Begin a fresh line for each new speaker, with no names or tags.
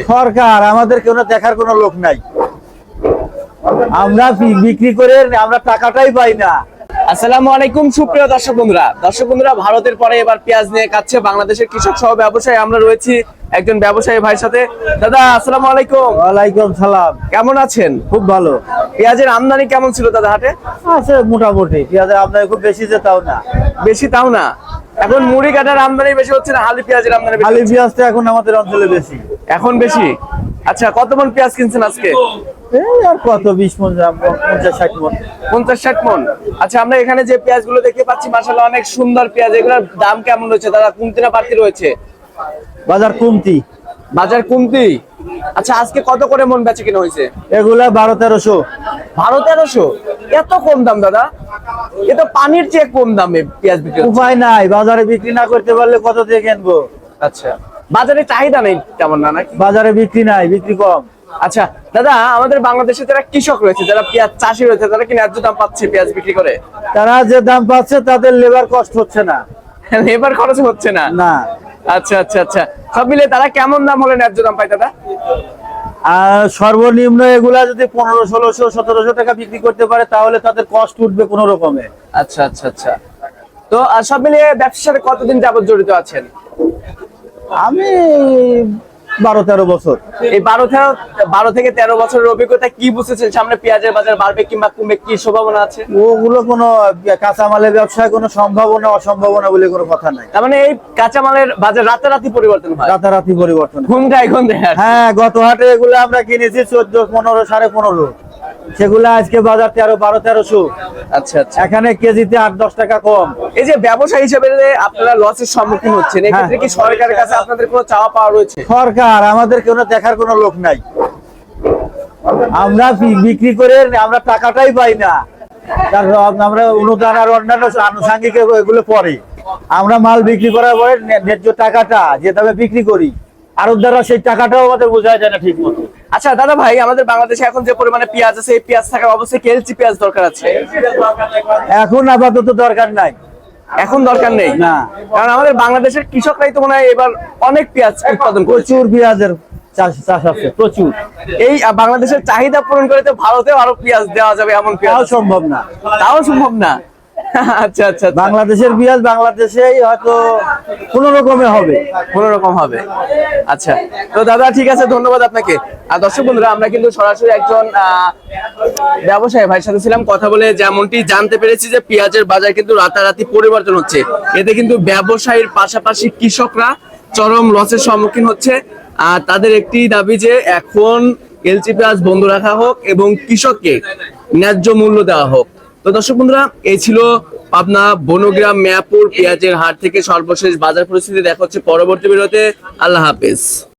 সরকার আমাদের কোনো দেখার কোনো লোক নাই, আমরা বিক্রি করে আমরা টাকাটাই পাই না।
আসসালামু আলাইকুম সুপ্রিয় দর্শক বন্ধুরা, ভারতের পরে এবার পেঁয়াজ নিয়ে কাটছে বাংলাদেশের কৃষক সহ ব্যবসায়ী। আমরা রয়েছি একজন ব্যবসায়ী ভাইয়ের সাথে। দাদা আসসালামু আলাইকুম।
ওয়ালাইকুম সালাম।
কেমন আছেন?
খুব ভালো।
পেঁয়াজের আমদানি কেমন ছিল দাদা হাটে?
আছে মোটামুটি, পেঁয়াজের আমদানি খুব বেশি যে তাও না।
বেশি তাও না। এখন মুড়ি কাটার আমদানি বেশি হচ্ছে না হালি পেঁয়াজের আমদানি বেশি?
হালি পেঁয়াজটা এখন আমাদের অঞ্চলে বেশি।
এখন বেশি। আচ্ছা, কত মন পেঁয়াজ কিনছেন আজকে?
এই আর কত 20 মণ, 50-60 মণ।
50-60 মন। আচ্ছা, আমরা এখানে যে পেঁয়াজ গুলো দেখতে পাচ্ছি মাশাআল্লাহ অনেক সুন্দর পেঁয়াজ। এগুলোর দাম কেমন রয়েছে দাদা? কমতি না বাড়তি রয়েছে?
বাজার কমতি।
বাজার কমতি। আচ্ছা, আজকে কত করে মন বেচে কিনা হয়েছে?
এগুলা 1200-1300।
1200-1300? এত কম দাম দাদা? এ তো পানির চেয়ে কম দামে পেঁয়াজ বিক্রি হচ্ছে।
উপায় নাই, বাজারে বিক্রি না করতে পারলে কত দিয়ে কিনবো?
আচ্ছা, বাজারে চাহিদা নেই তেমন না নাকি?
বাজারে বিক্রি নাই, বিক্রি কম।
আচ্ছা দাদা, আমাদের বাংলাদেশে যারা কৃষক রয়েছে, যারা পেঁয়াজ চাষি রয়েছে, তারা কি ন্যায্য দাম পাচ্ছে পেঁয়াজ বিক্রি করে?
তারা যে দাম পাচ্ছে তাদের লেবার কষ্ট হচ্ছে না।
লেবার খরচ হচ্ছে না?
না।
আচ্ছা আচ্ছা আচ্ছা, সব মিলে তারা কেমন দাম হলে ন্যায্য দাম পায় দাদা?
আর সর্বনিম্ন এগুলা যদি 1500-1600-1700 টাকা বিক্রি করতে পারে তাহলে তাদের কষ্ট উঠবে কোন রকমে।
আচ্ছা আচ্ছা আচ্ছা। তো সব মিলিয়ে ব্যবসার সাথে কতদিন যাবত জড়িত আছেন?
আমি 12-13 বছর।
এই 12 থেকে 13 বছরের অভিজ্ঞতা কি বুঝেছেন সামনে পেঁয়াজের বাজার বাড়বে কিংবা কমবে, কি সম্ভাবনা আছে?
ওগুলো কোনো কাঁচামালের ব্যবসায় কোনো সম্ভাবনা অসম্ভাবনা বলে কোনো কথা নাই।
তার মানে এই কাঁচামালের বাজার রাতারাতি পরিবর্তন হয়?
রাতারাতি পরিবর্তন।
ঘুমটাই ঘুম দেয়।
হ্যাঁ, গত হাটে এগুলো আমরা কিনেছি 14, 15, 15.5, সেগুলা আজকে বাজার 1200।
আচ্ছা আচ্ছা।
এখানে কেজিতে 8-10 টাকা কম।
এই যে ব্যবসা হিসেবে যে আপনারা লসের সম্মুখীন হচ্ছেন, এক্ষেত্রে কি সরকারের কাছে আপনাদের কোনো চাওয়া পাওয়া রয়েছে?
সরকার আমাদের কোনো দেখার কোনো লোক নাই, আমরা বিক্রি করে আমরা টাকাটাই পাই না। তার আমরা অনুদান আর অন্যান্য আনুষঙ্গিক এগুলো পরে, আমরা মাল বিক্রি করার পরে ন্যায্য টাকাটা যে দামে বিক্রি করি আরবদাররা সেই টাকাটাও আমাদের বোঝায় যায় না ঠিক মতো।
আচ্ছা দাদা ভাই, আমাদের বাংলাদেশে এখন যে পরিমাণে পেঁয়াজ আছে, এই পেঁয়াজ থাকার অবশ্যই কেলচি পেঁয়াজ দরকার আছে।
এখন আপাতত দরকার নাই।
এখন দরকার নেই
না,
কারণ আমাদের বাংলাদেশের কৃষকরাই তো মনে হয় এবার অনেক পেঁয়াজ উৎপাদন করছে।
প্রচুর পেঁয়াজের চাষ আছে, প্রচুর।
এই বাংলাদেশের চাহিদা পূরণ করে তো ভারতেও আরো পেঁয়াজ দেওয়া যাবে এমন পেঁয়াজ
তাও সম্ভব না।
তাও সম্ভব না? আচ্ছা আচ্ছা।
বাংলাদেশের পেঁয়াজ বাংলাদেশেই হয়তো কোনো রকমে হবে,
কোনো রকম হবে। আচ্ছা তো দাদা ঠিক আছে, ধন্যবাদ আপনাকে। আর দর্শক বন্ধুরা, আমরা কিন্তু সরাসরি একজন ব্যবসায়ী ভাইয়ের সাথে ছিলাম, কথা বলে যেমনটি জানতে পেরেছি যে পেঁয়াজের বাজার কিন্তু রাতারাতি পরিবর্তন হচ্ছে। এতে কিন্তু ব্যবসায়ীর পাশাপাশি কৃষকরা চরম লসের সম্মুখীন হচ্ছে। আর তাদের একটি দাবি যে এখন এলচি পেঁয়াজ বন্ধ রাখা হোক এবং কৃষককে ন্যায্য মূল্য দেওয়া হোক। তো দর্শক বন্ধুরা, এই ছিল পাবনা বনগ্রাম মিয়াপুর পেঁয়াজের হাট থেকে সর্বশেষ বাজার পরিস্থিতি। দেখা হচ্ছে পরবর্তী ভিডিওতে। আল্লাহ হাফেজ।